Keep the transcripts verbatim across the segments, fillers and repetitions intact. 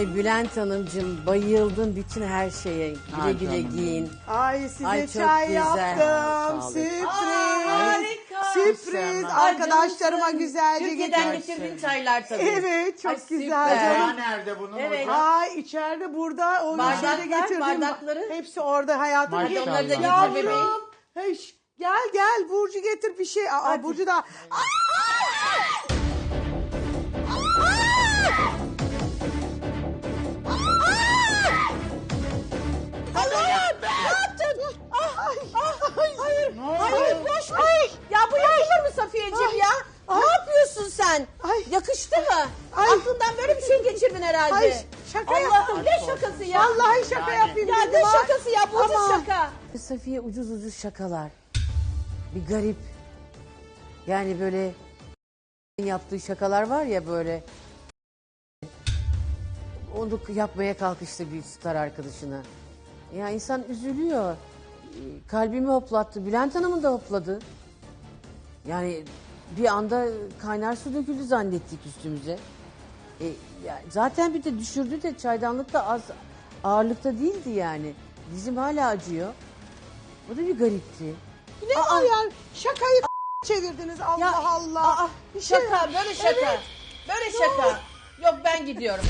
Ay Bülent Hanımcığım, bayıldım bütün her şeye. Güle Ay güle canım. giyin. Ay size Ay, çok çay güzel. yaptım. Sağ olun. Sürpriz. Aa, harika. Sürpriz. Ay, Arkadaşlarıma canımsın. güzelce Türkiye'den getirdim. getirdiğin çaylar tabii. Evet, çok Ay, güzel süper. canım. Aa, nerede bunun Evet. hocam? Ay içeride burada onu Bardaklar, şeyde getirdim. bardakları. Hepsi orada hayatım. Maşallah. Hadi onları da getir Yavrum. bebeğim. Hey, şş, gel gel Burcu getir bir şey. Aa, Burcu da. Aa, Allah'ım ne yaptın? Ah, ah, hayır, Ne oldu? hayır, boş ver. Ya bu yakışır mı Safiyeciğim ya? Ay. Ne yapıyorsun sen? Ay. Yakıştı mı? Ay. Aklından böyle bir şey geçirdin herhalde. Ay, şaka Allah'ım yaptım. ne şakası ya? Vallahi şaka Yani. yapayım Ya dedim. ne ha. şakası ya? Bu ucuz Ama- şaka. Safiye ucuz ucuz şakalar. Bir garip. Yani böyle yaptığı şakalar var ya böyle. Onu yapmaya kalkıştı bir star arkadaşına. Ya insan üzülüyor. Ee, Kalbimi hoplattı. Bülent Hanım'ın da hopladı. Yani bir anda kaynar su döküldü zannettik üstümüze. E, ya zaten bir de düşürdü de çaydanlık da az ağırlıkta değildi yani. Dizim hala acıyor. O da bir garipti. Ne var yani? Şakayı çevirdiniz Allah Ya, Allah. aa, Bir şey- şaka, böyle şaka. Evet. Böyle şaka. Yok ben gidiyorum.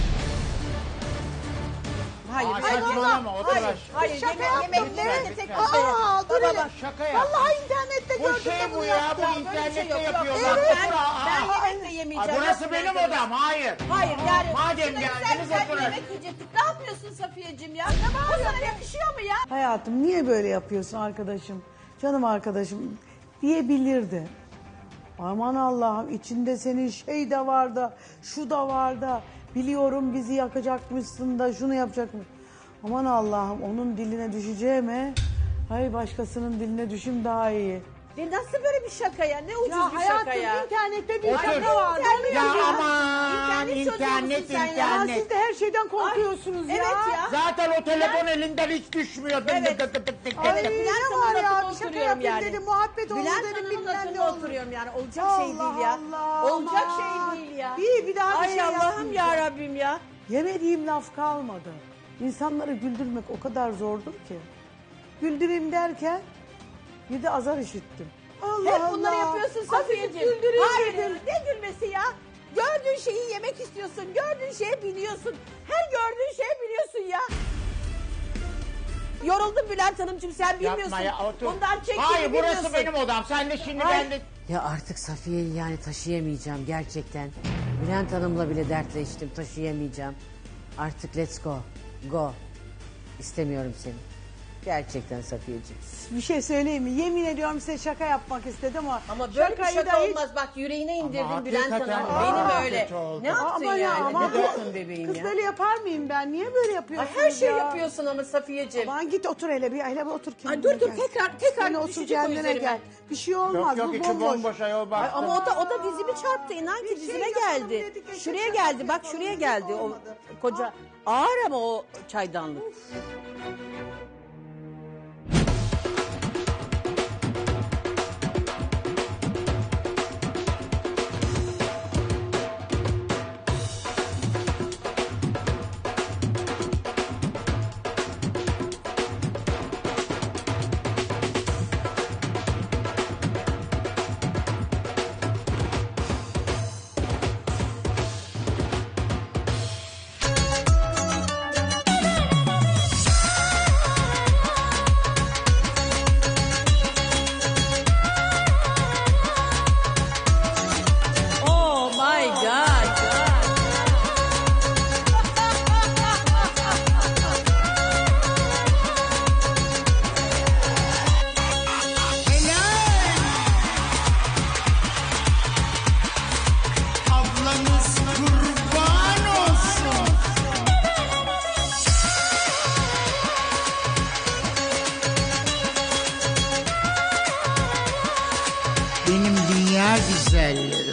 Hayır, Aa, hayır, saçmalama, o da hayır, var. hayır, Şaka yemek, yaptım, yemekleri evet. de tek Aa, başına. Aa, dur Baba, hele. bak. Şaka yaptım. Vallahi internette Bu gördüm şey de bu bunu ya, yaptım. bu Böyle bir şey internette yok, yok. yapıyorlar. Evet, ben, Aa, ben aa. yemek de yemeyeceğim. Aa, burası Yok, benim yemek odam, hayır. Hayır yani. Madem şurada geldiniz, güzel güzel bir oturun. yemek yiyecektik. Ne yapıyorsun Safiyeciğim ya? Bu sana yakışıyor mu ya? Hayatım niye böyle yapıyorsun arkadaşım? Canım arkadaşım diyebilirdi. Aman Allah'ım içinde senin şey de var da şu da var da biliyorum bizi yakacakmışsın da şunu yapacak mı? Aman Allah'ım onun diline düşeceğime hay başkasının diline düşüm daha iyi. Ne nasıl böyle bir şaka ya? Ne ucuz Ya bir hayatım şaka ya? internette bir Otur. şaka var. İnternet Ya ya. aman, İnternet çocuğu internet, musun sen ya? Ya internet. siz de her şeyden korkuyorsunuz ya. Evet ya. Zaten o telefon elinden hiç düşmüyor. Tık Evet. tık tık tık tık Ay tık. ne Bülent var Hanım'ın ya lafına bir şaka oturuyorum yapayım yani. dedim muhabbet olur Bülent dedim Hanım'ın bilmem ne lafına olur. oturuyorum yani. Olacak şey Allah değil ya. Allah, Olacak aman. şey değil ya. Bir, bir daha bir Ay şey Allah'ım yapmayacağım. ya Rabbim ya. Yemediğim laf kalmadı. İnsanları güldürmek o kadar zordur ki. Güldüreyim derken bir de azar işittim. Allah Hep bunları Allah. yapıyorsun Azıcık Safiyeciğim. güldüreyim Hayır dedim. ne gülmesi ya? Gördüğün şeyi yemek istiyorsun. Gördüğün şeye biniyorsun. Her gördüğün şeye biniyorsun ya. Yoruldum Bülent Hanımcığım sen bilmiyorsun. Yapma ya, otur. Bundan çektiğini Hayır, burası bilmiyorsun. benim odam. Sen de şimdi Ay. ben de... Ya artık Safiye'yi yani taşıyamayacağım gerçekten. Bülent Hanım'la bile dertleştim, taşıyamayacağım. Artık let's go, go. İstemiyorum seni. Gerçekten Safiyeciğim. Bir şey söyleyeyim mi? Yemin ediyorum size şaka yapmak istedim ama. Ama böyle bir şakayı şaka da hiç- olmaz. Bak yüreğine indirdin Ama Bülent hakikaten Hanım. aa, Benim öyle. kötü oldu. Ne yaptın Ama ya, yani? ama- Ne yaptın bebeğim Kız ya? böyle yapar mıyım ben? Niye böyle Ay, yapıyorsunuz her şey ya? yapıyorsun ama Safiyeciğim. Aman git otur hele bir hele bir otur kendine Ay dur dur gel. tekrar tekrar Sen otur düşecek o kendine üzerime. gel. Bir şey olmaz Yok yok, bu içi bomboş. bomboş ayol bak. Ay, ama o da o da dizimi çarptı inan ki Bir şey dizime yapalım geldi. dedik, eşek Şuraya şakası geldi bak yapalım şuraya dedik, geldi o olmadı. koca ağır ama o çaydanlık. Oh my god. Ablanız kurban olsun. Benim dünya güzelleri.